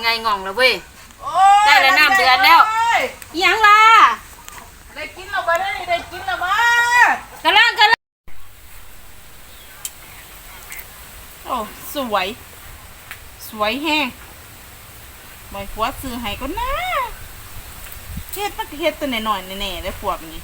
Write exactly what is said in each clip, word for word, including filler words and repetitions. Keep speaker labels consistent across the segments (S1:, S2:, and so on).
S1: ไงง่องแล้วเว้ยได้แล้วน้ำเดือดแล้วยังล่ะ
S2: ได้กินแล้วมาได้ได้กินแล้วมาก
S1: ระลังกระลัง
S2: โอ้สวยสวยแห้งบ่อยผัวซื้อให้ก็น่าเฮ็ดมันเฮ็ดตัวหน่อยๆแน่ๆได้พวกนี้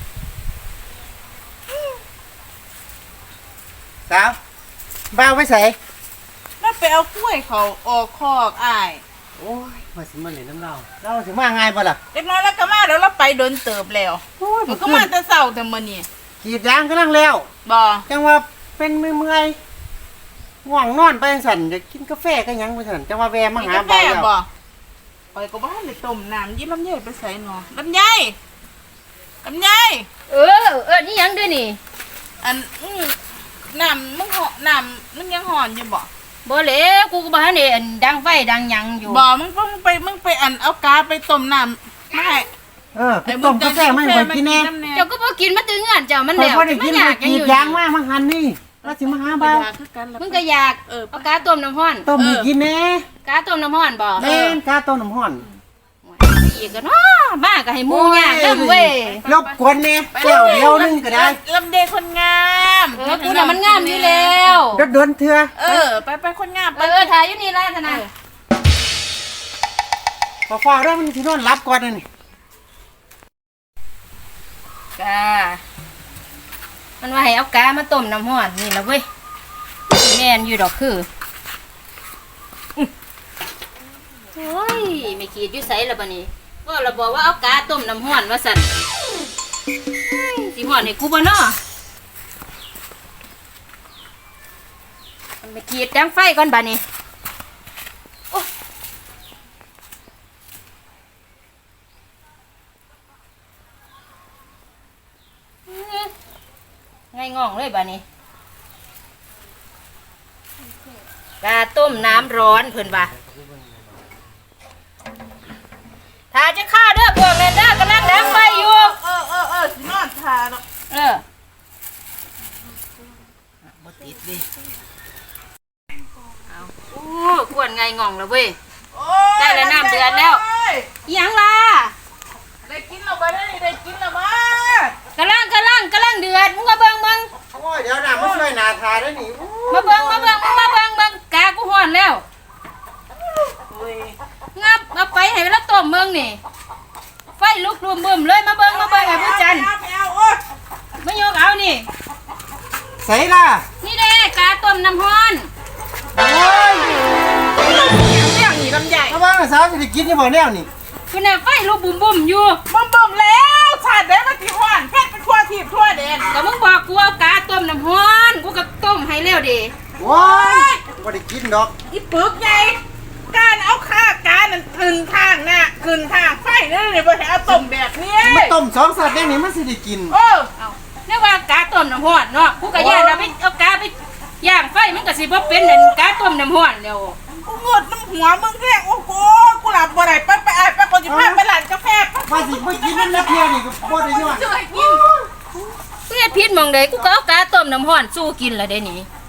S3: สาวบ้าวไปใส่
S2: แล้วไปเอากล้วยเขาออกคอกอ้าย
S3: โอ้ยมาสิมาเล่นน้ำเราเราสิมาง่ายบ่ล่ะ
S2: เด็กน้อยแล้วก็มาแล้วเราไปโดนเติบแล้วมันก็มาแต่เช้าแต่มื้อนี้
S3: กรีดยางกำลังแล้ว
S2: บ่
S3: จังว่าเป็นเมื่อยๆง่วงนอนไปสั่นจะกินกาแฟก็ยังไปสั่นจังว่าแวะมาหาบ่าวแล้ว
S2: ไปก็บ้านเลยต้มน้ำยิ้มลำไยไปใส่หนอลำไยลำไย
S1: เออเออนี่ยังด้วยนี่
S2: อันน้ำมึงห่อน้ำมึงยังห่อนอยู่บ่
S1: บ่เลยกูก็บ่ทันได้อันดังไฟดังหยังอยู่
S2: บ่มึงมึงไปมึงไปอันเอากาไปต้มน้ำไม่
S3: เออไปต้มกาแฟไม่ไปกินแน่
S1: เจ้าก็บ่กินมาถึงงานเจ้ามันแล้ว
S3: มันอยากกรีดยางมามาหันนี่เราสิมาหาบ่าว
S1: มึงก็อยากเอากาต้มน้ำร้อน
S3: ต้มให้กินแน่
S1: กาต้มน้ำร้อนบ่
S3: แม่นกาต้มน้ำร้อน
S1: อีกก็เนาะบ้าก็ให้หมู่ยากนำเว้ย
S3: รบกวนแน่แก้วเดียวนึงก็ได้
S2: ลำเดยคนงาม
S1: เออกูน่ะมันงามอยู่แล้ว
S3: รถดวนเถื่อ
S2: เออไปไปคนงาม
S1: เออถ่ายอยู่นี่ล่ะท่านน่ะ
S3: พอฟ้าแล้วมันสินอนหลับก่อนนี่
S1: กามันว่าให้เอากามาต้มน้ำร้อนนี่ล่ะเว้ยแม่นอยู่ดอกคือโอ้ยไม่ขีดอยู่ไสล่ะบัดนี้ก็เราบอกว่าเอากาต้มน้ำร้อนว่าสั่นสิร้อนให้กูบ่เนาะมันไม่ขีดดังไฟก่อนบัดนี้โอ้ไงง่องเลยบัดนี้กาต้มน้ำร้อนเพิ่นว่าถ้าจะฆ่าเด้อพวกนั้นเด้อกำลังดังไฟอยู่
S2: เออเออเออสินอนทาเนาะ
S1: เออบ่ติดดิเอาโอ้กวนไงง่องแล้วเว้ยได้แล้วน้ำเดือดแล้วยังล่ะ
S2: ได้กินแล้วมาได้ได้กินแล้วมาก
S1: ำลังกำลังกำลังเดือดมึงมาเบิ่งมึง
S3: โอ้ยเดี๋ยวน้ำมาช่วยนาทาได้หนิ
S1: มาเบิ่งมาเบิ่งมาเบิ่งเบิ่งกากูฮ้อนแล้วงับเอาไปให้แล้วต้มเมืองนี่ไฟลุกรวมบึ้มเลยมาเบิ่งมาเบิ่งไอ้ผู้จันมายกเอานี่
S3: ใส่ล่ะ
S1: นี่เด้กาต้มน้ำฮ้อน
S3: โอ้ย
S2: เรื่องนี้ลำใหญ่
S3: ถ้าว่าสาวจะได้กินนี่บ่แนวนี่
S1: คือน่ะไฟลุกบุ่มบุ่มอยู่
S2: บ่มบ่มแล้วชาติได้มาที่ห้อนเพชรเป็นทั่วทิพย์ทั่วแดน
S1: ก็มึงบอกกูเอากาต้มน้ำฮ้อนกูก็ต้มให้แล้วดิ
S3: โอ้ยบ่ได้กินดอก
S2: อีปึกไงการเอาข้าการนั่นขึ้นทางน่ะขึ้นทางไฟนั่นเลยบ่ให้เอาต้มแบบนี้
S3: มันต้มสองสัตว์แดงนี่มันสิได้กิน
S2: เออ
S1: เอาเรียกว่ากาต้มน้ำฮ้อนเนาะกูก็ย่างเอาไปเอากาไปย่างไฟมันก็สิบ่เป็นนั่นกาต้มน้ำฮ้อนแล้ว
S2: กูเงือดน้ำหัวมึงแค่โอ้โหกูหลับบ่ได้ไปไปไอ้ไปคนที่พาไปร้านกาแฟ
S3: ว่าสิบ่กินมันแล้วเพียนี่ก็บ่ได้ย้อน
S2: ช่วยกิน
S1: เฮ็ดผิดหม่องใดกูก็เอากาต้มน้ำฮ้อนสู้กินล่ะเด้นี่